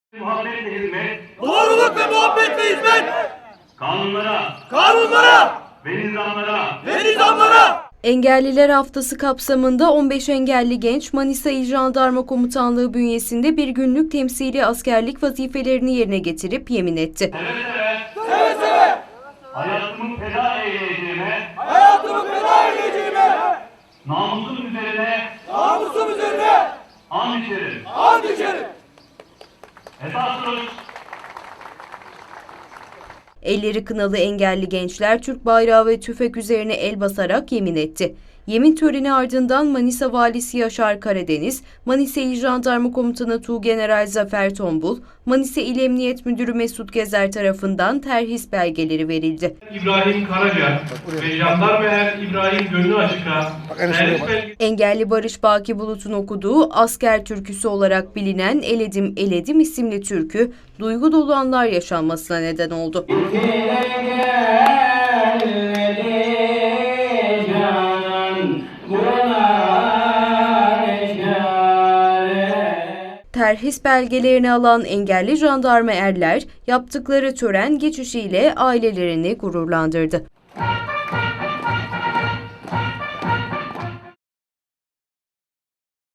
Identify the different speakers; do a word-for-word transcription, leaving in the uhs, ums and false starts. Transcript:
Speaker 1: Muhabbetle hizmet,
Speaker 2: Doğruluk ve muhabbetle hizmet,
Speaker 1: kanunlara,
Speaker 2: kanunlara
Speaker 1: ve nizamlara,
Speaker 2: ve nizamlara.
Speaker 3: Engelliler Haftası kapsamında on beş engelli genç Manisa İl Jandarma Komutanlığı bünyesinde bir günlük temsili askerlik vazifelerini yerine getirip yemin etti.
Speaker 1: seve seve,
Speaker 2: Seve seve
Speaker 1: hayatımı feda eyleyeceğime,
Speaker 2: hayatımı feda edeceğime,
Speaker 1: namusum üzerine
Speaker 2: namusum üzerine
Speaker 1: and içerim.
Speaker 2: and içerim.
Speaker 1: Esas duruş,
Speaker 3: Elleri kınalı engelli gençler Türk bayrağı ve tüfek üzerine el basarak yemin etti. Yemin töreni ardından Manisa Valisi Yaşar Karadeniz, Manisa İl Jandarma Komutanı Tuğgeneral Zafer Tombul, Manisa İl Emniyet Müdürü Mesut Gezer tarafından terhis belgeleri verildi.
Speaker 4: İbrahim Karaca ve Jandarma Er İbrahim Gönlü Açık'a terhis belgesi
Speaker 3: Engelli Barış Baki Bulut'un okuduğu asker türküsü olarak bilinen Eledim Eledim isimli türkü, duygu dolu anlar yaşanmasına neden oldu. Terhis belgelerini alan engelli jandarma erler, yaptıkları tören geçişiyle ailelerini gururlandırdı.